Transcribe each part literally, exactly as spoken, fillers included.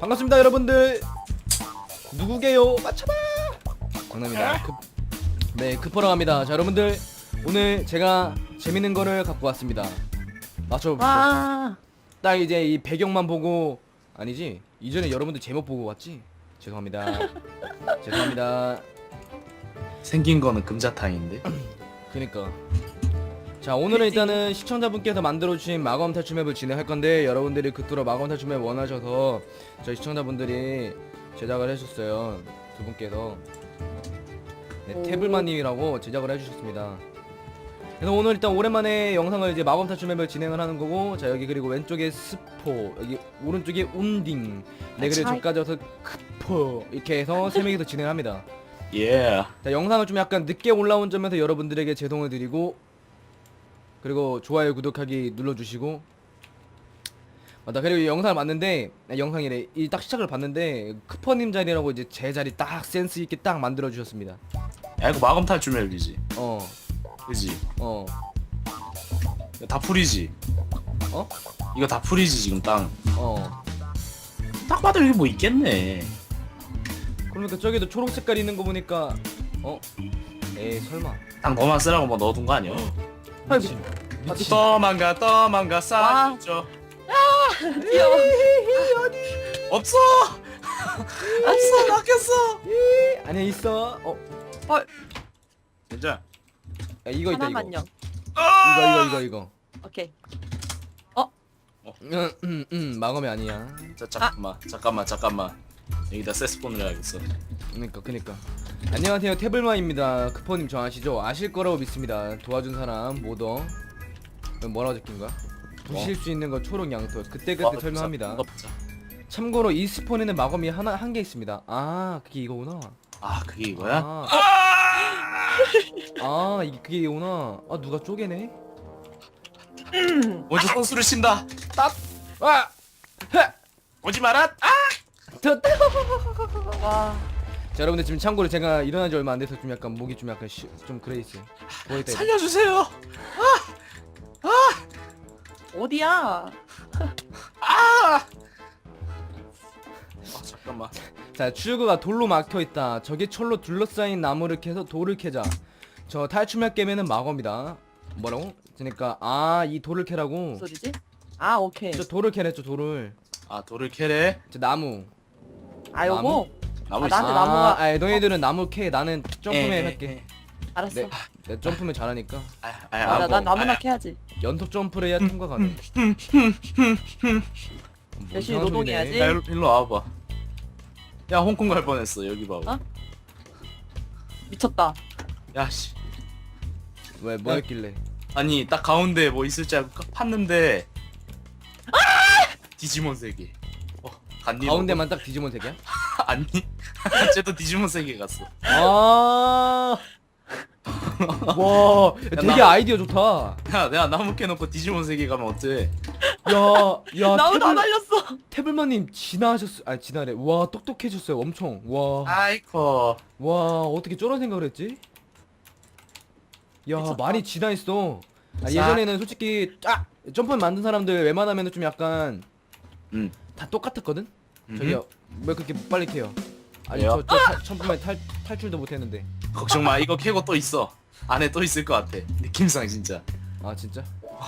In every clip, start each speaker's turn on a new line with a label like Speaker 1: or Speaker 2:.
Speaker 1: 반갑습니다 여러분들. 누구게요? 맞춰봐. 장난입니다. 급, 네 급하러 갑니다. 자 여러분들 오늘 제가 재밌는 거를 갖고 왔습니다. 맞춰보시죠.
Speaker 2: 와.
Speaker 1: 딱 이제 이 배경만 보고 아니지 이전에 여러분들 제목 보고 왔지? 죄송합니다. 죄송합니다.
Speaker 3: 생긴 거는 금자탕인데.
Speaker 1: 그니까 자 오늘은 일단은 시청자분께서 만들어주신 마검 탈출 맵을 진행할 건데 여러분들이 그토록 마검 탈출 맵 원하셔서 저희 시청자분들이 제작을 해주셨어요. 두 분께서 네, 태블마님이라고 제작을 해주셨습니다. 그래서 오늘 일단 오랜만에 영상을 이제 마검 탈출 맵을 진행을 하는 거고, 자 여기 그리고 왼쪽에 스포, 여기 오른쪽에 운딩, 네 그리고 저까지 와서 크포 이렇게 해서 세 명이서 진행합니다.
Speaker 3: 예.
Speaker 1: 자 영상을 좀 약간 늦게 올라온 점에서 여러분들에게 죄송을 드리고, 그리고 좋아요 구독하기 눌러주시고, 맞다 그리고 이 영상을 봤는데 아, 영상이래 이 딱 시작을 봤는데 크퍼님 자리라고 이제 제 자리 딱 센스 있게 딱 만들어 주셨습니다.
Speaker 3: 야 이거 마검 탈출 맵이지.
Speaker 1: 어,
Speaker 3: 그지?
Speaker 1: 어,
Speaker 3: 이거 다 풀이지.
Speaker 1: 어,
Speaker 3: 이거 다 풀이지 지금 땅.
Speaker 1: 어.
Speaker 3: 딱 봐도 여기 뭐 있겠네.
Speaker 1: 그러니까 저기도 초록 색깔 있는 거 보니까 어, 에이 설마.
Speaker 3: 땅 너만 쓰라고 뭐 넣어둔 거 아니야?
Speaker 1: 미친. 미친.
Speaker 3: 떠만가 떠만가
Speaker 2: 와.
Speaker 3: 싸죠.
Speaker 2: 귀여워.
Speaker 3: 없어. 없어 막혔어.
Speaker 1: 아니야 있어. 어,
Speaker 3: 진짜.
Speaker 1: 야, 이거 있다 이거.
Speaker 2: 하나만요.
Speaker 1: 이거 이거 이거 이거.
Speaker 2: 오케이.
Speaker 1: 음, 음, 음, 마검이 아니야.
Speaker 3: 자 잠깐만 잠깐만 잠깐만. 여기다 세스폰을 해야겠어.
Speaker 1: 그니까 그니까. 안녕하세요 태블마입니다. 크퍼님 저 아시죠? 아실 거라고 믿습니다. 도와준 사람 모더. 뭐라고 적힌 거야? 부실 수 있는 거 초록 양털. 그때 그때 설명합니다. 참고로 이 스폰에는 마검이 하나 한 개 있습니다. 아 그게 이거구나.
Speaker 3: 아 그게 이거야?
Speaker 1: 아, 아 이게 그게 이거구나. 아 누가 쪼개네?
Speaker 3: 먼저 선수를 친다.
Speaker 1: 아, 헤,
Speaker 3: 오지 마라. 아!
Speaker 1: 됐다.
Speaker 2: 와.
Speaker 1: 자 여러분들 지금 참고로 제가 일어난 지 얼마 안 돼서 좀 약간 목이 좀 약간 쉬, 좀 그래 있어요. 보이다. 이거.
Speaker 3: 살려주세요.
Speaker 2: 어디야?
Speaker 3: 아! 아 잠깐만.
Speaker 1: 자 출구가 돌로 막혀 있다. 저기 철로 둘러싸인 나무를 캐서 돌을 캐자. 저 탈출맵 깨면은 마검이다. 뭐라고? 그러니까 아 이 돌을 캐라고.
Speaker 2: 무슨 소리지? 아, 오케이.
Speaker 1: 저 돌을 캐랬죠 돌을.
Speaker 3: 아 돌을 캐래.
Speaker 1: 저 나무.
Speaker 2: 아, 요거.
Speaker 3: 나무
Speaker 2: 아,
Speaker 3: 있어.
Speaker 2: 나한테 나무가-
Speaker 1: 아, 너희들은 나무 캐. 나는 점프맨
Speaker 3: 에, 에,
Speaker 1: 할게.
Speaker 3: 에.
Speaker 2: 알았어.
Speaker 1: 네, 내 점프맨 잘하니까.
Speaker 3: 아, 아,
Speaker 2: 맞아,
Speaker 3: 아,
Speaker 2: 난
Speaker 3: 뭐,
Speaker 2: 나무나
Speaker 3: 아,
Speaker 2: 캐야지.
Speaker 1: 연속 점프를 해야 통과 가능.
Speaker 2: 열심히 노동해야지.
Speaker 3: 야, 일로, 일로 와봐. 야 홍콩 갈 뻔했어. 여기 봐봐.
Speaker 2: 어? 미쳤다.
Speaker 3: 야 씨.
Speaker 1: 왜 뭐였길래?
Speaker 3: 아니 딱 가운데 뭐 있을지 알고 딱 팠는데. 디지몬 세계. 어 갔니?
Speaker 1: 가운데만 딱 디지몬 색이야?
Speaker 3: 너도? 아니. 쟤도 디지몬 세계 갔어.
Speaker 1: 아. 와, 되게
Speaker 3: 나-
Speaker 1: 아이디어 좋다.
Speaker 3: 야 내가 나무 캐놓고 디지몬 세계 가면 어때?
Speaker 1: 야, 야,
Speaker 2: 나무 다
Speaker 1: 태블,
Speaker 2: 날렸어.
Speaker 1: 태블마님 진화하셨어. 아, 진화래. 와, 똑똑해졌어요. 엄청. 와,
Speaker 3: 아이코.
Speaker 1: 와, 어떻게 저런 생각을 했지? 야,
Speaker 2: 미쳤다.
Speaker 1: 많이 진화했어. 아,
Speaker 3: 자.
Speaker 1: 예전에는 솔직히 아, 점프 만든 사람들 웬만하면 좀 약간
Speaker 3: 응.
Speaker 1: 다 똑같았거든.
Speaker 3: 음흠.
Speaker 1: 저기요, 왜 그렇게 빨리 캐요? 아니,
Speaker 3: 왜요?
Speaker 1: 저, 저 점프만 탈 탈출도 못했는데.
Speaker 3: 걱정 마. 이거 캐고 또 있어. 안에 또 있을 것 같아. 느낌상 진짜.
Speaker 1: 아, 진짜?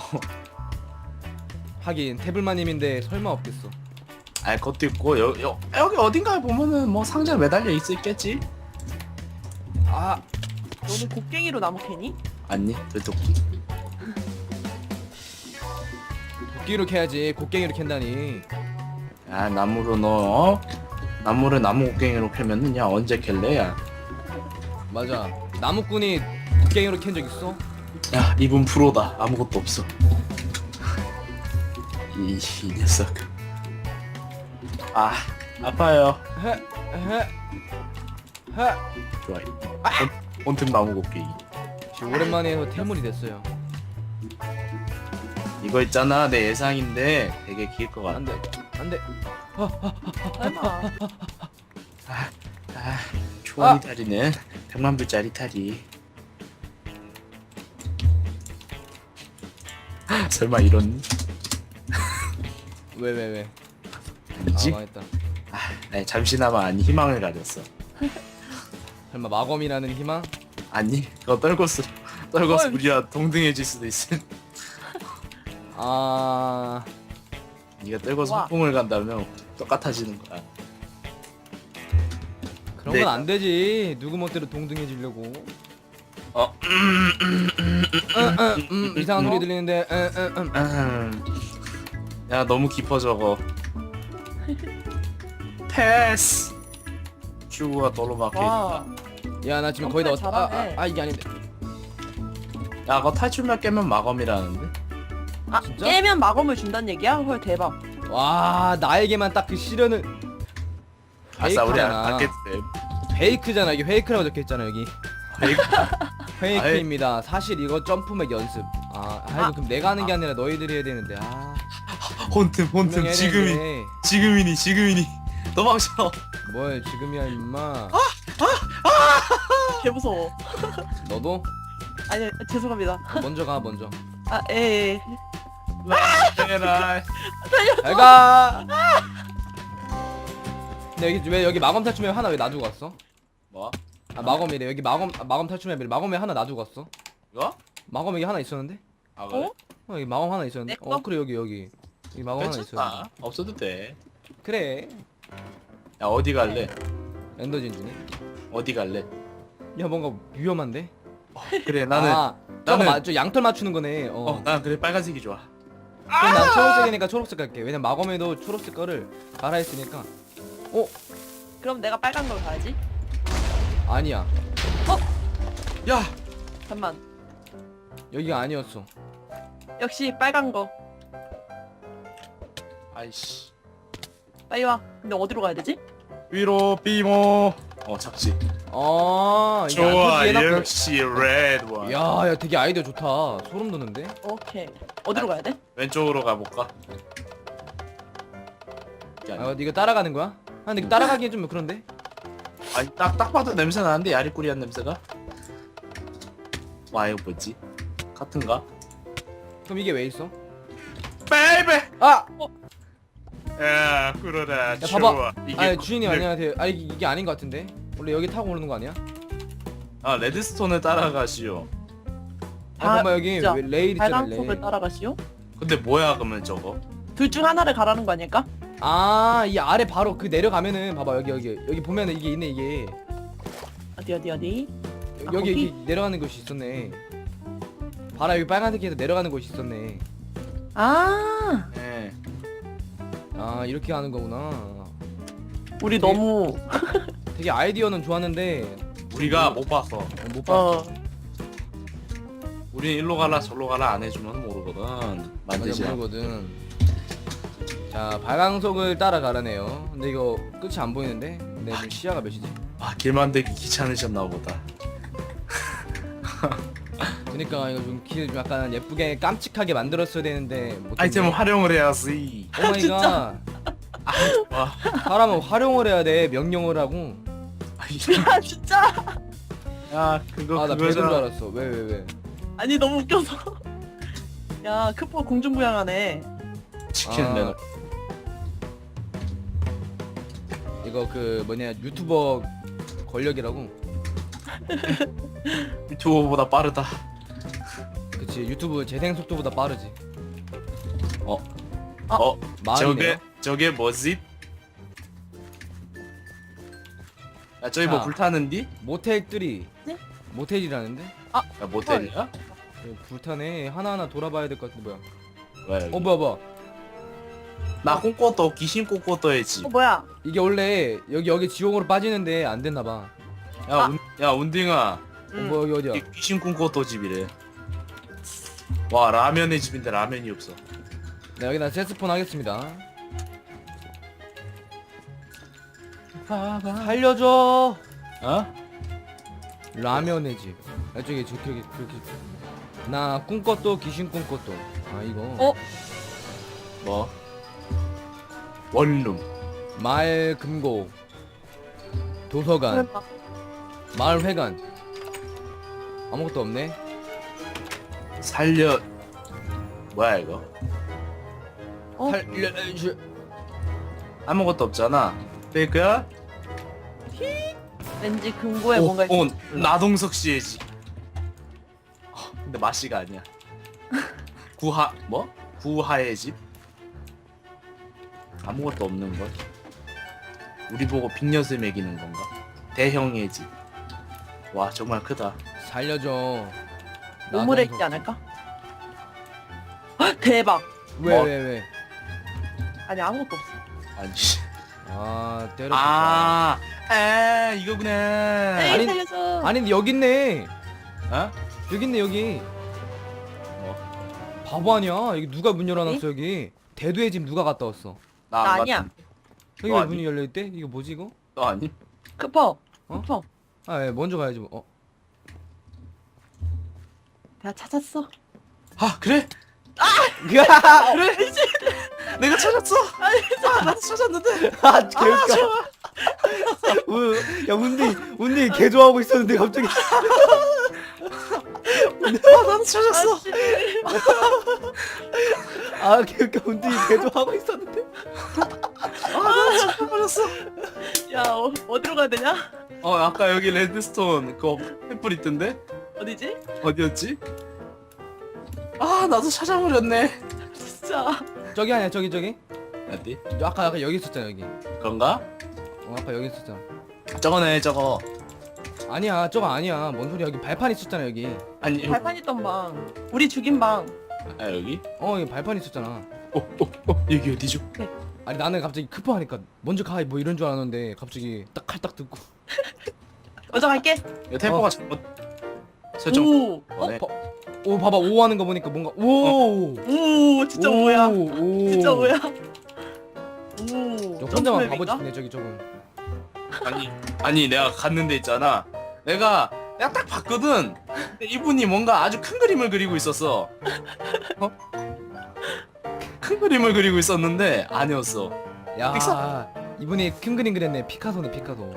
Speaker 1: 하긴 태블마님인데 설마 없겠어.
Speaker 3: 아 그것도 있고 여, 여, 여기 어딘가에 보면은 뭐 상자 매달려 있을겠지?
Speaker 1: 아,
Speaker 2: 너는 곡괭이로 나무 캐니?
Speaker 3: 아니 되도끼.
Speaker 1: 도끼로 캐야지. 곡괭이로 캔다니.
Speaker 3: 야 나무로 너 어? 나무를 나무 곡괭이로 캐면은 야 언제 캘래 야.
Speaker 1: 맞아. 나무꾼이 곡괭이로 캔 적 있어?
Speaker 3: 야 이분 프로다. 아무것도 없어. 이, 이 녀석. 아 아파요.
Speaker 1: 헤, 헤, 헤.
Speaker 3: 좋아. 온, 온틈 나무 곡괭이.
Speaker 1: 지금 오랜만에 해서 태물이 됐어요.
Speaker 3: 이거 있잖아 내 예상인데 되게 길 것 같아.
Speaker 1: 안 돼, 안 돼.
Speaker 2: 설마.
Speaker 3: 아 초원이 다리는 백만 불짜리 다리. 설마 이런
Speaker 1: 왜, 왜, 왜?
Speaker 3: 아니지?
Speaker 1: 아, 망했다.
Speaker 3: 아니, 잠시나마 아니 희망을 가졌어.
Speaker 1: 설마 마검이라는 희망?
Speaker 3: 아니 그거 떨궜어. 떨궜어
Speaker 2: 헐.
Speaker 3: 우리와 동등해질 수도 있음.
Speaker 1: 아
Speaker 3: 네가 떨궈서
Speaker 2: 와.
Speaker 3: 폭풍을 간다면 똑같아지는 거야.
Speaker 1: 그런
Speaker 3: 네.
Speaker 1: 건 안 되지. 누구 멋대로 동등해지려고.
Speaker 3: 어.
Speaker 1: 음, 음, 이상한 소리 들리는데. 음, 음, 음.
Speaker 3: 음. 야 너무 깊어 저거. 패스. 큐브가 도로 막혀
Speaker 2: 와.
Speaker 3: 있다.
Speaker 1: 야 나 지금 거의 다 왔다. 아, 아,
Speaker 2: 잘하네.
Speaker 1: 아 이게 아닌데.
Speaker 3: 야 그거 탈출만 깨면 마검이라는데?
Speaker 2: 아
Speaker 1: 진짜?
Speaker 2: 깨면 마검을 준다는 얘기야? 헐 대박.
Speaker 1: 와 나에게만 딱 그 시련을.
Speaker 3: 아싸 우리
Speaker 1: 페이크잖아.
Speaker 3: 안 깼대.
Speaker 1: 페이크잖아. 이게 페이크라고 적혀있잖아 여기.
Speaker 3: 페이크.
Speaker 1: 페이크입니다. 사실 이거 점프맥 연습. 아, 아이고
Speaker 2: 아.
Speaker 1: 그럼 내가 하는 게 아니라 너희들이 해야 되는데. 아,
Speaker 3: 혼틈
Speaker 1: 분명히
Speaker 3: 혼틈
Speaker 1: 해야
Speaker 3: 지금이
Speaker 1: 되는데.
Speaker 3: 지금이니 지금이니 도망쳐.
Speaker 1: 뭘 지금이야 임마.
Speaker 2: 개 무서워.
Speaker 1: 너도
Speaker 2: 아니 죄송합니다.
Speaker 1: 먼저 가 먼저.
Speaker 2: 아 에.
Speaker 3: 에라이.
Speaker 1: 잘 가. 근데 여기 왜 여기 마검 탈출맵 하나 왜 놔두고 갔어?
Speaker 3: 뭐?
Speaker 1: 아 마검이래. 여기 마검 아, 마검 탈출맵 마검에 하나 놔두고 갔어.
Speaker 3: 이거?
Speaker 1: 마검 여기 하나 있었는데?
Speaker 3: 아 그래?
Speaker 2: 어?
Speaker 1: 어 여기 마검 하나 있었는데?
Speaker 2: 내 거?
Speaker 1: 어 그래 여기 여기 여기 마검 하나 있었는데.
Speaker 3: 괜찮아. 없어도 돼.
Speaker 1: 그래.
Speaker 3: 야 어디 갈래?
Speaker 1: 엔더 진주네.
Speaker 3: 어디 갈래?
Speaker 1: 야 뭔가 위험한데?
Speaker 3: 그래 나는
Speaker 1: 아 저거
Speaker 3: 나는-
Speaker 1: 마, 저 양털 맞추는 거네. 어.
Speaker 3: 어, 난 그래 빨간색이 좋아.
Speaker 1: 그럼 난 초록색이니까 초록색 갈게. 왜냐면 마검에도 초록색 거를 갈아했으니까. 어?
Speaker 2: 그럼 내가 빨간 걸 가야지.
Speaker 1: 아니야.
Speaker 3: 야,
Speaker 2: 잠만.
Speaker 1: 여기가 아니었어.
Speaker 2: 역시 빨간 거.
Speaker 3: 아이씨.
Speaker 2: 빨리 와. 근데 어디로 가야 되지?
Speaker 3: 위로 삐모. 어 잡지.
Speaker 1: 아 이게 안
Speaker 3: 좋아,
Speaker 1: 터지게 해놨구나.
Speaker 3: 역시 레드 원.
Speaker 1: 야, 야 되게 아이디어 좋다. 소름 돋는데?
Speaker 2: 오케이. 어디로 가야 돼?
Speaker 3: 왼쪽으로 가볼까? 이게 아니야.
Speaker 1: 아 이거 따라가는 거야? 아 근데 이거 따라가기엔 좀 그런데?
Speaker 3: 아니 딱 딱 봐도 냄새 나는데 야리꾸리한 냄새가. 와 이거 뭐지? 같은가?
Speaker 1: 그럼 이게 왜 있어?
Speaker 3: 베이베.
Speaker 1: 아!
Speaker 3: 야 그러다.
Speaker 1: 야 봐봐.
Speaker 3: 이게
Speaker 1: 아 주인님
Speaker 3: 그-
Speaker 1: 안녕하세요. 아 이게, 이게 아닌 것 같은데? 원래 여기 타고 오는 거 아니야?
Speaker 3: 아 레드스톤을 따라가시오.
Speaker 1: 아
Speaker 2: 아,
Speaker 1: 봐봐 여기
Speaker 2: 진짜.
Speaker 1: 왜 레일 있잖아
Speaker 2: 빨간
Speaker 1: 레일.
Speaker 2: 속을 따라가시오?
Speaker 3: 근데 뭐야 그러면 저거?
Speaker 2: 둘 중 하나를 가라는 거 아닐까?
Speaker 1: 아이 아래 바로 그 내려가면은 봐봐 여기 여기 여기 보면은 이게 있네 이게.
Speaker 2: 어디 어디 어디? 아,
Speaker 1: 여기
Speaker 2: 거기?
Speaker 1: 여기 내려가는 곳이 있었네. 봐라 여기 빨간색에서 내려가는 곳이 있었네.
Speaker 2: 아,
Speaker 3: 예.
Speaker 1: 아 이렇게 하는 거구나.
Speaker 2: 우리
Speaker 1: 되게-
Speaker 2: 너무
Speaker 1: 되게 아이디어는 좋았는데
Speaker 3: 우리가 못 봤어.
Speaker 1: 못 봤어.
Speaker 2: 어
Speaker 3: 우리 일로 가라 저로 가라 안 해주면 모르거든. 만들지
Speaker 1: 맞아
Speaker 3: 않-
Speaker 1: 모르거든. 자 발광석을 따라가라네요. 근데 이거 끝이 안 보이는데? 근데 지금 시야가 몇이지?
Speaker 3: 아, 길 만들기 귀찮으셨나 보다.
Speaker 1: 그니까 이거 좀 길 좀 약간 예쁘게 깜찍하게 만들었어야 되는데 못했네.
Speaker 3: 아이템을 활용을 해야지.
Speaker 1: 오마이갓.
Speaker 3: 와,
Speaker 1: 사람은 활용을 해야 돼. 명령을 하고.
Speaker 3: 아이,
Speaker 2: 야 진짜
Speaker 3: 야 그거
Speaker 1: 아 나 배든 줄
Speaker 3: 그거잖아.
Speaker 1: 알았어. 왜 왜 왜?
Speaker 2: 아니 너무 웃겨서 야 크포 공중부양하네.
Speaker 3: 치킨
Speaker 1: 아.
Speaker 3: 내놓.
Speaker 1: 이거 그 뭐냐 유튜버 권력이라고.
Speaker 3: 유튜버보다 빠르다.
Speaker 1: 그치 유튜브 재생 속도보다 빠르지.
Speaker 3: 어,
Speaker 2: 아.
Speaker 3: 어,
Speaker 1: 마을이네요.
Speaker 3: 저게 저게 뭐지? 야 저기 뭐
Speaker 1: 자.
Speaker 3: 불타는디?
Speaker 1: 모텔 쓰리.
Speaker 2: 네?
Speaker 1: 모텔이라는데?
Speaker 3: 야 모텔이야?
Speaker 1: 어, 불타네. 하나하나 돌아봐야 될 것 같은데 뭐야?
Speaker 3: 뭐야 여기?
Speaker 1: 어 뭐야 뭐야?
Speaker 3: 나 꿈꿔도 귀신 꿈꿔도 해지.
Speaker 2: 어 뭐야?
Speaker 1: 이게 원래 여기 여기 지옥으로 빠지는데 안 됐나 봐.
Speaker 3: 야,
Speaker 2: 아.
Speaker 3: 운, 야 운딩아,
Speaker 1: 어,
Speaker 2: 음.
Speaker 1: 뭐 여기 어디야?
Speaker 3: 이 귀신 꿈꿔도 집이래. 와 라면의 집인데 라면이 없어.
Speaker 1: 네 여기다 세스폰 하겠습니다. 살려줘.
Speaker 3: 어?
Speaker 1: 라면의 집. 아 저기 저기 저기 저기. 나 꿈꿨도 귀신 꿈꿨도. 아 이거.
Speaker 2: 어?
Speaker 3: 뭐? 원룸.
Speaker 1: 마을 금고. 도서관.
Speaker 2: 설마.
Speaker 1: 마을 회관. 아무것도 없네.
Speaker 3: 살려. 뭐야 이거?
Speaker 2: 어?
Speaker 1: 살려줘.
Speaker 3: 아무것도 없잖아. 페이크야?
Speaker 2: 왠지 금고에
Speaker 3: 오,
Speaker 2: 뭔가 있...
Speaker 3: 오, 나동석 씨의 집. 어, 근데 마씨가 아니야. 구하 뭐? 구하의 집? 아무것도 없는 걸. 우리 보고 빅엿을 먹이는 건가? 대형의 집. 와 정말 크다.
Speaker 1: 살려줘.
Speaker 2: 우물에 있지 않을까? 헉, 대박.
Speaker 1: 왜
Speaker 3: 뭐?
Speaker 1: 왜 왜?
Speaker 2: 아니 아무것도 없어.
Speaker 3: 아니. 씨.
Speaker 1: 아 때렸다.
Speaker 3: 아, 에 이거구나.
Speaker 2: 에이
Speaker 1: 아니,
Speaker 2: 살려줘.
Speaker 1: 아니 근데 여기 있네.
Speaker 3: 어?
Speaker 1: 여기 있네 여기.
Speaker 3: 뭐?
Speaker 1: 바보 아니야? 여기 누가 문 열어놨어
Speaker 2: 어디?
Speaker 1: 여기? 대두의 집 누가 갔다 왔어?
Speaker 3: 나,
Speaker 2: 나
Speaker 3: 안
Speaker 2: 아니야.
Speaker 3: 갔는데.
Speaker 1: 여기
Speaker 3: 너
Speaker 1: 왜
Speaker 3: 아니?
Speaker 1: 문이 열려 있대? 이거 뭐지 이거?
Speaker 3: 너 아니?
Speaker 2: 크퍼.
Speaker 1: 어?
Speaker 2: 크퍼.
Speaker 1: 아, 예, 먼저 가야지 뭐. 어.
Speaker 2: 내가 찾았어.
Speaker 3: 아 그래?
Speaker 1: 그래?
Speaker 3: 내가 찾았어. 아, 나도 찾았는데.
Speaker 1: 아, 개웃겨. 우- 야, 운디, 운디 개 좋아하고 있었는데 갑자기.
Speaker 3: 아, 나도 찾았어.
Speaker 2: 아씨.
Speaker 1: 아, 개웃겨. 운디 개 좋아하고 있었는데.
Speaker 3: 아, 나도 찾아버렸어.
Speaker 2: 야 어, 어디로 가야 되냐?
Speaker 3: 어, 아까 여기 레드스톤 그거 횃불 있던데?
Speaker 2: 어디지?
Speaker 3: 어디였지? 아, 나도 찾아버렸네.
Speaker 2: 진짜.
Speaker 1: 저기 아니야, 저기 저기.
Speaker 3: 어디?
Speaker 1: 아까 아까 여기 있었잖아 여기.
Speaker 3: 그런가?
Speaker 1: 어, 아까 여기 있었잖아.
Speaker 3: 저거네, 저거.
Speaker 1: 아니야, 저거 아니야. 뭔 소리야? 여기 발판 있었잖아 여기.
Speaker 3: 아니,
Speaker 2: 발판 있던 방. 우리 죽인 방.
Speaker 3: 아, 여기?
Speaker 1: 어, 여기 발판 있었잖아.
Speaker 3: 어, 어, 어, 여기 어디죠?
Speaker 1: 아니 나는 갑자기 크포 하니까 먼저 가 뭐 이런 줄 알았는데 갑자기 딱 칼 딱 듣고.
Speaker 2: 먼저 갈게.
Speaker 3: 이거 템포가
Speaker 1: 어.
Speaker 3: 잘못 설정.
Speaker 2: 오.
Speaker 1: 어?
Speaker 3: 네.
Speaker 1: 봐, 오 봐봐 오 하는 거 보니까 뭔가 오.
Speaker 2: 오 진짜
Speaker 1: 오,
Speaker 2: 뭐야?
Speaker 1: 오.
Speaker 2: 진짜 뭐야? 오.
Speaker 1: 저 혼자만 바보
Speaker 2: 점프맵인가?
Speaker 1: 짓네 저기 저건.
Speaker 3: 아니, 아니, 내가 갔는데 있잖아. 내가, 내가 딱 봤거든. 근데 이분이 뭔가 아주 큰 그림을 그리고 있었어. 어? 큰 그림을 그리고 있었는데 아니었어.
Speaker 1: 야
Speaker 3: 픽사-
Speaker 1: 이분이 큰 그림 그렸네. 피카소네 피카소.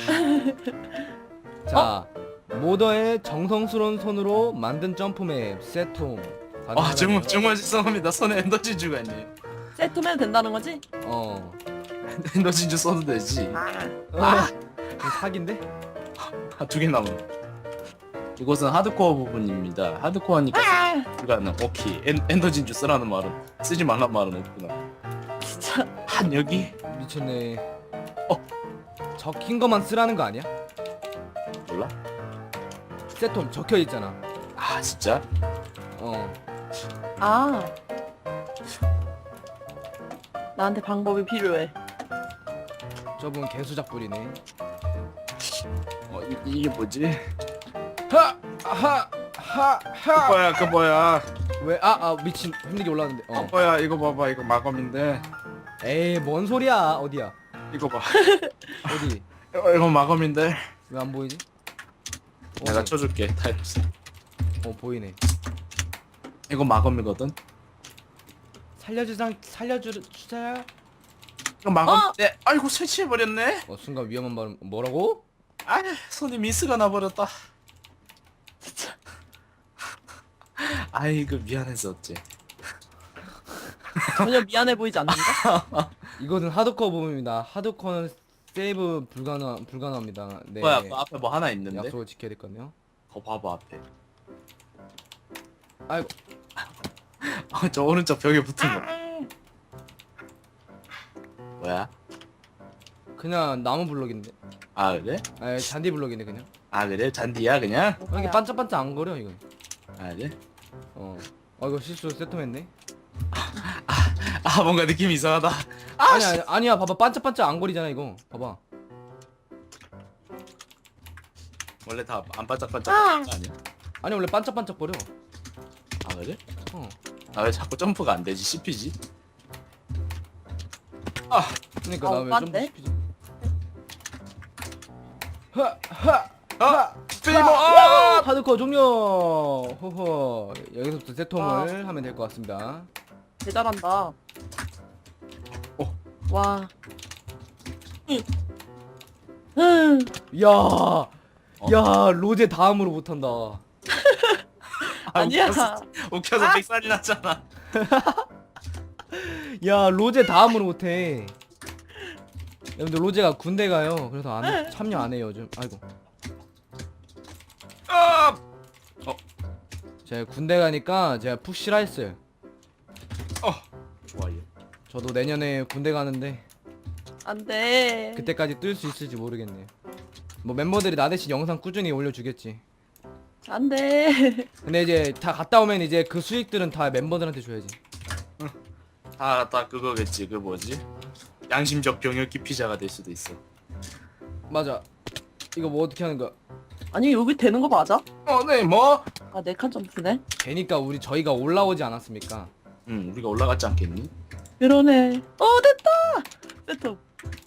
Speaker 1: 자 모더의 정성스러운 손으로 만든 점프맵 세톰.
Speaker 3: 아, 정말 정말 죄송합니다. 손에 엔더 진주가 있네.
Speaker 2: 세트면 된다는 거지?
Speaker 1: 어.
Speaker 3: 엔더 진주 써도 되지.
Speaker 2: 아.
Speaker 1: 아. 이거 사기인데?
Speaker 3: 아, 두 개 남은. 이곳은 하드코어 부분입니다. 하드코어니까
Speaker 2: 아.
Speaker 3: 불가능. 오케이. 엔, 엔더 진주 쓰라는 말은 쓰지 말란 말은 없구나.
Speaker 2: 진짜.
Speaker 3: 한 여기
Speaker 1: 미쳤네.
Speaker 3: 어.
Speaker 1: 적힌 것만 쓰라는 거 아니야?
Speaker 3: 몰라?
Speaker 1: 세톰 적혀 있잖아.
Speaker 3: 아 진짜?
Speaker 1: 어.
Speaker 2: 아. 나한테 방법이 필요해.
Speaker 1: 저분 개수작불이네.
Speaker 3: 어 이, 이게 뭐지?
Speaker 1: 하! 하! 하!
Speaker 3: 그
Speaker 1: 하!
Speaker 3: 뭐야 그 뭐야
Speaker 1: 왜? 아, 아 미친 힘들게 올라왔는데.
Speaker 3: 어
Speaker 1: 어.
Speaker 3: 뭐야 이거 봐봐 이거 마검인데
Speaker 1: 에이 뭔 소리야? 어디야?
Speaker 3: 이거 봐
Speaker 1: 어디?
Speaker 3: 이거, 이거 마검인데
Speaker 1: 왜 안 보이지?
Speaker 3: 내가
Speaker 1: 어,
Speaker 3: 쳐줄게 타임스.
Speaker 1: 어 보이네.
Speaker 3: 이거 마검이거든.
Speaker 1: 살려주상 살려주자.
Speaker 3: 이거 마검.
Speaker 2: 어?
Speaker 3: 네 아이고 설치해버렸네.
Speaker 1: 어 순간 위험한 발음 뭐라고?
Speaker 3: 아 손이 미스가 나버렸다.
Speaker 2: 진짜.
Speaker 3: 아이고 미안해서 어째.
Speaker 2: 전혀 미안해 보이지 않는데?
Speaker 1: 이것은 하드코어 부분입니다. 하드코어는 세이브 불가능 불가능합니다. 네.
Speaker 3: 뭐야 그 앞에 뭐 하나 있는데?
Speaker 1: 약속을 지켜야 될 거네요.
Speaker 3: 거 봐봐 앞에.
Speaker 1: 아이고.
Speaker 3: 어, 저 오른쪽 벽에 붙은 거. 뭐야?
Speaker 1: 그냥 나무 블럭인데.
Speaker 3: 아 그래?
Speaker 1: 아 잔디 블럭이네 그냥.
Speaker 3: 아 그래? 잔디야 그냥?
Speaker 1: 어, 이게 반짝반짝 안 거려 이거.
Speaker 3: 아 그래?
Speaker 1: 어. 어 이거 실수 세톰했네.
Speaker 3: 아 뭔가 느낌이 이상하다. 아
Speaker 1: 아니 아니 아니야 봐봐 반짝반짝 안 거리잖아 이거. 봐봐.
Speaker 3: 원래 다 안 반짝반짝
Speaker 2: 아.
Speaker 3: 하는 거 아니야?
Speaker 1: 아니 원래 반짝반짝 거려.
Speaker 3: 아 그래?
Speaker 1: 어.
Speaker 3: 아 왜 자꾸 점프가 안 되지? 씹히지? 아
Speaker 1: 그러니까
Speaker 2: 어,
Speaker 1: 나왜 좀
Speaker 2: 오빠인데?
Speaker 1: 시키지? 하하
Speaker 3: 아! 페이버!
Speaker 1: 아!
Speaker 3: 아!
Speaker 1: 하드코어 종료. 호호. 여기서부터 세톰을 하면 될 것 같습니다.
Speaker 2: 대단한다.
Speaker 3: 어.
Speaker 2: 와. 응. 응.
Speaker 1: 야, 야 로제 다음으로 못한다.
Speaker 3: 아,
Speaker 2: 아니야.
Speaker 3: 웃겨서, 웃겨서
Speaker 2: 아!
Speaker 3: 백살이 났잖아.
Speaker 1: 야 로제 다음으로 못해. 여러분들 로제가 군대 가요. 그래서 안 참여 안 해요 요즘. 아이고.
Speaker 3: 아!
Speaker 1: 제가 군대 가니까 제가 푹 쉬라 했어요.
Speaker 3: 어, 좋아요.
Speaker 1: 저도 내년에 군대 가는데
Speaker 2: 안돼.
Speaker 1: 그때까지 뜰 수 있을지 모르겠네요. 뭐 멤버들이 나 대신 영상 꾸준히 올려주겠지.
Speaker 2: 안돼.
Speaker 1: 근데 이제 다 갔다 오면 이제 그 수익들은 다 멤버들한테 줘야지.
Speaker 3: 다, 다 그거겠지. 그 뭐지? 양심적 병역기 피자가 될 수도 있어.
Speaker 1: 맞아. 이거 뭐 어떻게 하는 거야?
Speaker 2: 아니 여기 되는 거 맞아?
Speaker 3: 어, 네, 뭐?
Speaker 2: 아 네 칸 점프네.
Speaker 1: 되니까 우리 저희가 올라오지 않았습니까?
Speaker 3: 응, 우리가 올라갔지 않겠니?
Speaker 2: 그러네. 어 됐다. 세트.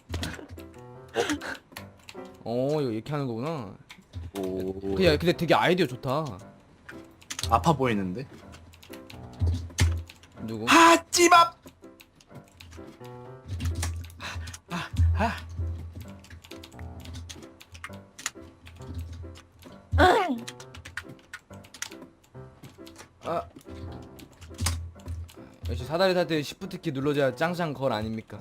Speaker 1: 어 이거 이렇게 하는 거구나.
Speaker 3: 오,
Speaker 1: 그냥 근데 되게 아이디어 좋다.
Speaker 3: 아파 보이는데?
Speaker 1: 누구?
Speaker 3: 아, 찌밥! 아, 아.
Speaker 1: 아. 역시 사다리 탈 때 시프트키 눌러줘야 짱짱 걸 아닙니까?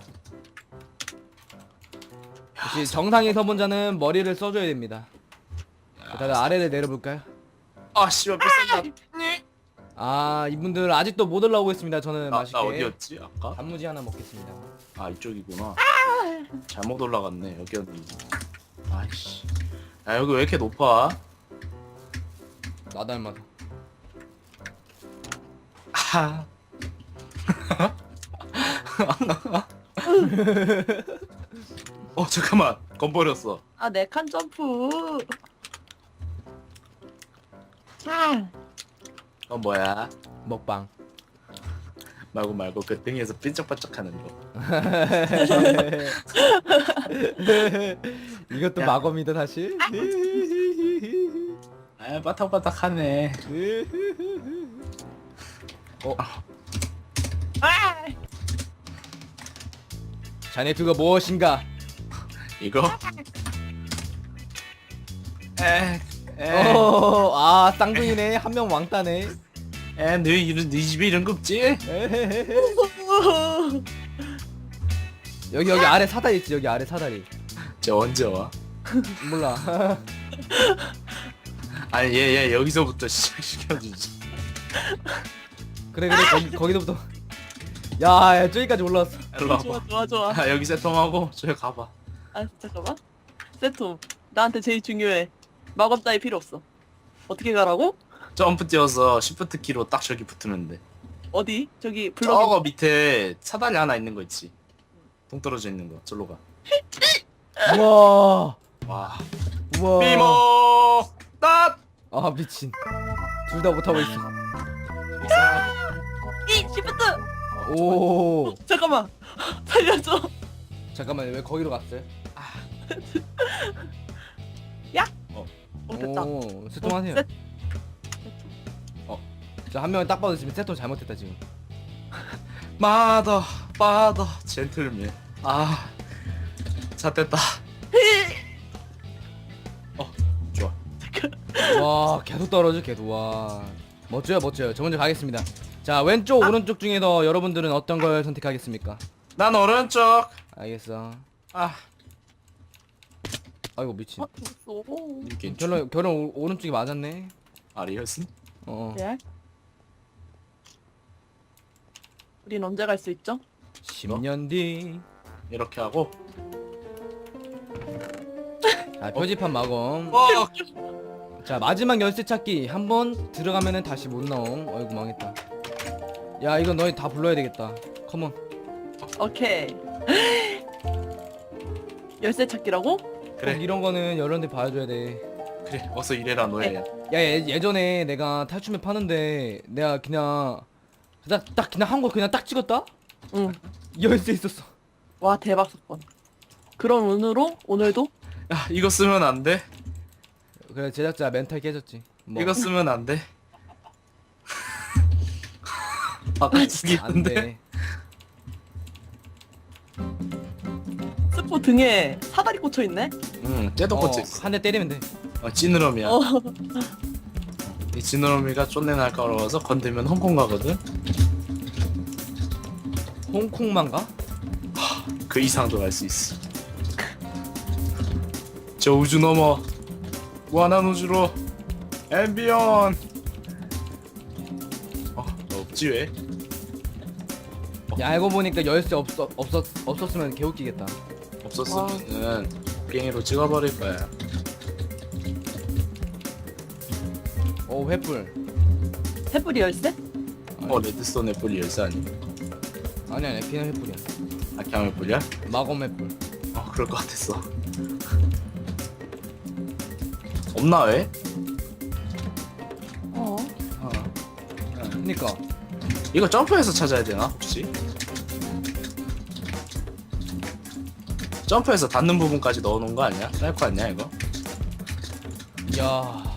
Speaker 1: 역시 정상에 서본 자는 머리를 써줘야 됩니다. 다들 아래를 내려볼까요?
Speaker 3: 아, 씨발, 뺏었다.
Speaker 1: 아 이분들 아직도 못 올라오고 있습니다. 저는
Speaker 3: 나,
Speaker 1: 맛있게
Speaker 3: 나 어디였지? 아까?
Speaker 1: 단무지 하나 먹겠습니다.
Speaker 3: 아, 이쪽이구나. 잘못 올라갔네. 여기였는데. 아이씨. 야, 여기 왜 이렇게 높아?
Speaker 1: 나 닮아서.
Speaker 3: 아. 어, 잠깐만. 건 버렸어.
Speaker 2: 아 네 칸 점프. 아.
Speaker 3: 건 뭐야?
Speaker 1: 먹방.
Speaker 3: 말고 말고 그 등에서 삐쩍빠쩍하는 거.
Speaker 1: 이것도
Speaker 3: 야.
Speaker 1: 마검이다 사실.
Speaker 3: 아, 바닥바닥하네.
Speaker 1: 어,
Speaker 2: 아.
Speaker 1: 자네 그거 무엇인가?
Speaker 3: 이거? 에, 에,
Speaker 1: 어, 아 쌍둥이네. 한 명 왕따네.
Speaker 3: 에, 너 이런 네 집에 이런 거 없지?
Speaker 1: 에헤헤헤. 여기 여기 아래 사다리 있지. 여기 아래 사다리.
Speaker 3: 저 언제 와?
Speaker 1: 몰라.
Speaker 3: 아니 얘 얘 여기서부터 시작시켜주지.
Speaker 1: 그래 그래 거기 거기서부터. 야, 야 저기까지 올라왔어.
Speaker 3: 일로
Speaker 2: 좋아
Speaker 3: 와봐.
Speaker 2: 좋아 좋아.
Speaker 3: 아, 여기 세통하고 저기 가봐.
Speaker 2: 아 잠깐만. 세톰. 나한테 제일 중요해. 마법 따위 필요 없어. 어떻게 가라고?
Speaker 3: 점프 뛰어서 시프트 키로 딱 저기 붙으면 돼.
Speaker 2: 어디? 저기 블럭.
Speaker 3: 저거 밑에 사다리 하나 있는 거 있지? 동떨어져 있는 거. 절로 가.
Speaker 1: 우와.
Speaker 3: 와.
Speaker 1: 우와.
Speaker 3: 비모 딱.
Speaker 1: 아 미친. 둘 다 못하고 있어.
Speaker 2: 이 시프트.
Speaker 1: 오.
Speaker 2: 잠깐만. 살려줘.
Speaker 1: 잠깐만 왜 거기로 갔어요?
Speaker 2: 어 됐다.
Speaker 1: 오, 세통하세요.
Speaker 2: 세-
Speaker 1: 저 한 명은 딱 봐도 지금 세통 잘못했다 지금.
Speaker 3: 마더 마더 젠틀맨. 아. 자 됐다. 어 좋아.
Speaker 1: 와 계속 떨어져 계속. 와 멋져요 멋져요. 저 먼저 가겠습니다. 자 왼쪽 오른쪽 중에서 여러분들은 어떤 걸 선택하겠습니까?
Speaker 3: 난 오른쪽.
Speaker 1: 알겠어.
Speaker 3: 아.
Speaker 1: 아이고 미친.
Speaker 2: 어 죽었어.
Speaker 3: 이렇게
Speaker 1: 결론 결론 오, 오른쪽이 맞았네.
Speaker 3: 아리였음?
Speaker 1: 어.
Speaker 2: 레알? 우린 언제 갈 수 있죠?
Speaker 1: 십 년 뒤.
Speaker 3: 이렇게 하고.
Speaker 1: 아 표지판 마검.
Speaker 3: 어.
Speaker 1: 자 마지막 열쇠 찾기 한 번 들어가면은 다시 못 나옴. 어이구 망했다. 야 이건 너희 다 불러야 되겠다. 컴온.
Speaker 2: 오케이. 열쇠 찾기라고?
Speaker 3: 그래.
Speaker 1: 꼭 이런 거는 여러분들 봐줘야 돼.
Speaker 3: 그래. 어서 일해라 노예야.
Speaker 1: 야 예, 예전에 내가 탈춤에 파는데 내가 그냥 딱, 딱 그냥 한 거 그냥 딱 찍었다?
Speaker 2: 응.
Speaker 1: 열쇠 있었어.
Speaker 2: 와 대박 사건. 그럼 오늘로 오늘도
Speaker 3: 야 이거 쓰면 안 돼.
Speaker 1: 그래 제작자 멘탈 깨졌지. 뭐.
Speaker 3: 이거 쓰면 안 돼. 아까
Speaker 1: 안
Speaker 3: 죽이는데.
Speaker 1: 돼.
Speaker 2: 스포 등에 사다리 꽂혀 있네.
Speaker 3: 응. 쟤도 꽂혀
Speaker 1: 어,
Speaker 3: 있어.
Speaker 1: 한 대 때리면 돼.
Speaker 3: 어, 찌느러미야.
Speaker 2: 어.
Speaker 3: 이 찌느러미가 쫀내 날카로워서 건들면 홍콩 가거든.
Speaker 1: 홍콩만 가?
Speaker 3: 그 이상도 갈 수 있어. 저 우주 넘어 무한한 우주로 앰비언. 어, 너 없지 왜?
Speaker 1: 야 알고 보니까 열쇠 없었 없었 없었으면 개웃기겠다.
Speaker 3: 없었으면은 비행기로 찍어버릴 거야.
Speaker 1: 오 횃불.
Speaker 2: 횃불이 열쇠?
Speaker 3: 어, 레드스톤 애플이 열쇠 아니야?
Speaker 1: 아니 아니 그냥 횃불이야.
Speaker 3: 아, 그냥 애플이야?
Speaker 1: 마검 횃불.
Speaker 3: 어, 그럴 것 같았어. 없나 왜?
Speaker 2: 어.
Speaker 3: 어.
Speaker 1: 그니까
Speaker 3: 이거 점프해서 찾아야 되나 혹시? 점프해서 닿는 부분까지 넣어놓은 거 아니야? 쌀거 아니야 이거?
Speaker 1: 야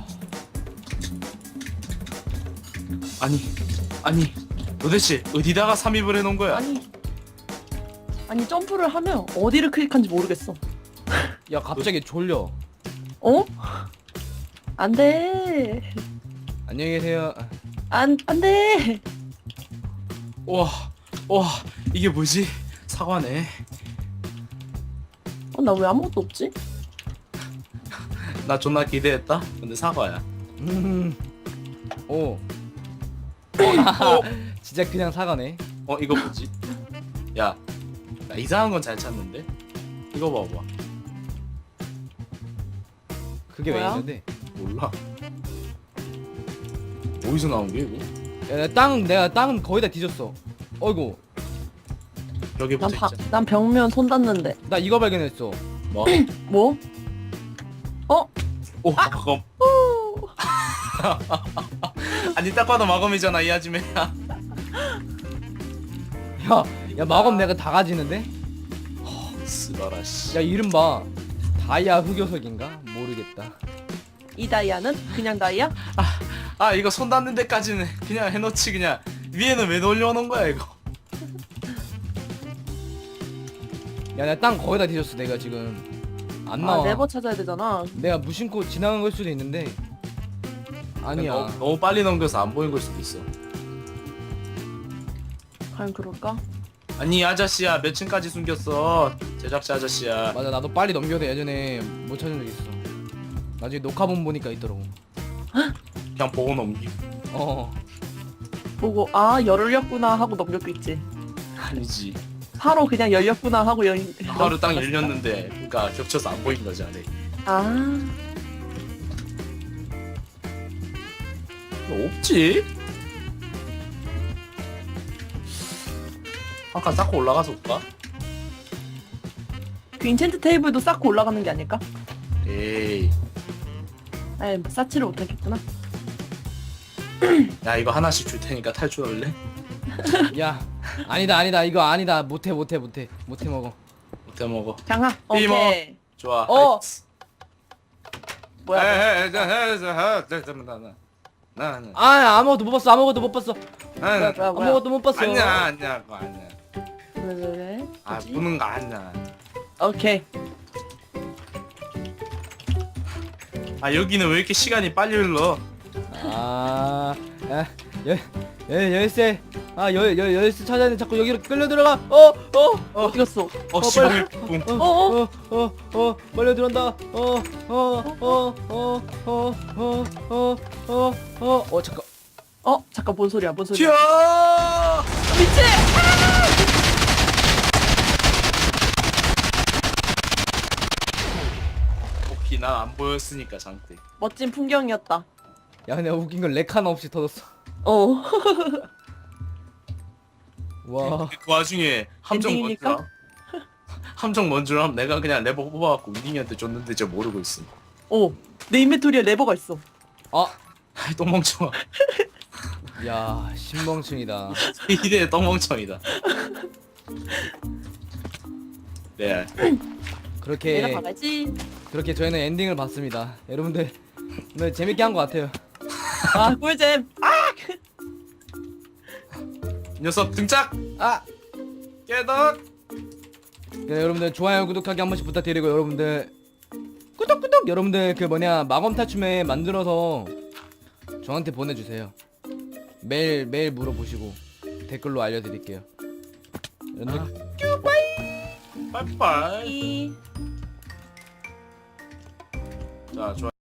Speaker 3: 아니 아니 도대체 어디다가 삽입을 해놓은 거야?
Speaker 2: 아니. 아니 점프를 하면 어디를 클릭한지 모르겠어.
Speaker 1: 야 갑자기 졸려.
Speaker 2: 어? 안 돼.
Speaker 1: 안녕히 계세요.
Speaker 2: 안, 안 돼.
Speaker 3: 와, 와 이게 뭐지? 사과네.
Speaker 2: 어, 나 왜 아무것도 없지?
Speaker 3: 나 존나 기대했다. 근데 사과야.
Speaker 1: 음. 오.
Speaker 3: 어,
Speaker 1: 진짜 그냥 사과네.
Speaker 3: 어 이거 뭐지? 야, 나 이상한 건 잘 찾는데. 이거 봐봐.
Speaker 1: 그게 왜
Speaker 2: 뭐야?
Speaker 1: 있는데?
Speaker 3: 몰라. 어디서 나온 게 이거?
Speaker 1: 야, 땅 내가 땅 거의 다 뒤졌어. 어이구
Speaker 3: 벽에
Speaker 2: 난,
Speaker 3: 붙어
Speaker 2: 바,
Speaker 3: 있잖아.
Speaker 2: 난 벽면 손 닿는데.
Speaker 1: 나 이거 발견했어.
Speaker 3: 뭐?
Speaker 2: 뭐? 어?
Speaker 3: 오, 마검. 아니 딱 봐도 마검이잖아 이 아줌매야.
Speaker 1: 야, 야 마검 내가 다 가지는데?
Speaker 3: 쓰라라 씨.
Speaker 1: 야 이름 봐. 다이아 흑요석인가? 모르겠다.
Speaker 2: 이 다이아는? 그냥 다이아?
Speaker 3: 아 이거 손 닿는 데까지는 그냥 해놓지 그냥 위에는 왜 올려놓은 거야 이거.
Speaker 1: 야 나 땅 거의 다 뒤졌어 내가 지금. 안 나와.
Speaker 2: 아, 네버 찾아야 되잖아.
Speaker 1: 내가 무심코 지나간 걸 수도 있는데. 아니야.
Speaker 3: 너무, 너무 빨리 넘겨서 안 보인 걸 수도 있어.
Speaker 2: 과연 그럴까?
Speaker 3: 아니 아저씨야 몇 층까지 숨겼어? 제작자 아저씨야.
Speaker 1: 맞아 나도 빨리 넘겨도 예전에 못 찾은 적 있어. 나중에 녹화본 보니까 있더라고.
Speaker 3: 그냥 보고 넘기.
Speaker 1: 어.
Speaker 2: 보고 아 열렸구나 하고 넘겼겠지.
Speaker 3: 아니지.
Speaker 2: 바로 그냥 열렸구나 하고 열.
Speaker 3: 하루 딱 열렸는데 그러니까 겹쳐서 안 보인 거지 안에.
Speaker 2: 아.
Speaker 3: 없지? 아까 쌓고 올라가서 올까?
Speaker 2: 그 인챈트 테이블도 쌓고 올라가는 게 아닐까?
Speaker 3: 에이.
Speaker 2: 에이 뭐 쌓지를 못하겠구나.
Speaker 3: 야 이거 하나씩 줄 테니까 탈출할래?
Speaker 1: 야 아니다 아니다 이거 아니다 못해 못해 못해 못해 먹어.
Speaker 3: 못해 먹어.
Speaker 2: 장하.
Speaker 3: 이모.
Speaker 2: 오케이.
Speaker 3: 좋아.
Speaker 2: 어.
Speaker 3: 하이츠.
Speaker 2: 뭐야?
Speaker 3: 에이, 에이, 에이, 에이, 에이, 나, 나, 나, 나,
Speaker 1: 아 아무것도 못 봤어 아무것도 못 봤어
Speaker 3: 나,
Speaker 2: 뭐야
Speaker 3: 나.
Speaker 2: 뭐야 뭐야?
Speaker 1: 아무것도 못 봤어.
Speaker 3: 아니야, 아니야, 그거 아니야.
Speaker 2: 왜, 왜, 왜?
Speaker 3: 아,
Speaker 2: 뭐지?
Speaker 3: 보는 거 아니야.
Speaker 2: 오케이.
Speaker 3: 아, 여기는 왜 이렇게 시간이 빨리 흘러?
Speaker 1: 아, 야, 열, 열, 열쇠. 아, 열, 열, 열쇠 찾아야 돼. 자꾸 여기로 끌려 들어가. 어, 어, 어,
Speaker 2: 어디 갔어?
Speaker 3: 어,
Speaker 1: 어,
Speaker 3: 십오일 분.
Speaker 1: 어, 어, 어, 어, 빨려 들어온다. 어, 어, 어, 어, 어, 어, 어, 어, 어, 어, 잠깐.
Speaker 2: 어 잠깐 뭔 소리야? 뭔 소리야?
Speaker 3: 튀어!
Speaker 2: 미치!
Speaker 3: 오케이, 난안 보였으니까 장대.
Speaker 2: 멋진 풍경이었다.
Speaker 1: 야, 근데 웃긴 건 렉 하나 없이 터졌어.
Speaker 2: 어.
Speaker 1: 와,
Speaker 3: 그 와중에 함정
Speaker 2: 엔딩입니까?
Speaker 3: 뭔줄 알아? 함정 뭔줄 알아? 내가 그냥 레버 뽑아갖고 윈딩이한테 줬는데 저 모르고 있음.
Speaker 2: 어. 내 인벤토리에 레버가 있어.
Speaker 1: 아,
Speaker 3: 아이 똥멍청아.
Speaker 1: 야, 신멍충이다.
Speaker 3: 이래 똥멍청이다. 네.
Speaker 1: 그렇게,
Speaker 2: 내려가야지.
Speaker 1: 그렇게 저희는 엔딩을 봤습니다. 여러분들 오늘 재밌게 한 것 같아요.
Speaker 2: 아 꿀잼. 아!
Speaker 3: 이 녀석 등짝!
Speaker 1: 아,
Speaker 3: 깨덕!
Speaker 1: 네, 여러분들 좋아요 구독하기 한 번씩 부탁드리고 여러분들 구독구독 여러분들 그 뭐냐 마검 탈춤에 만들어서 저한테 보내주세요. 매일 매일 물어보시고 댓글로 알려드릴게요. 여러분들
Speaker 3: 빠이빠이.
Speaker 2: 이.
Speaker 3: 자 좋아.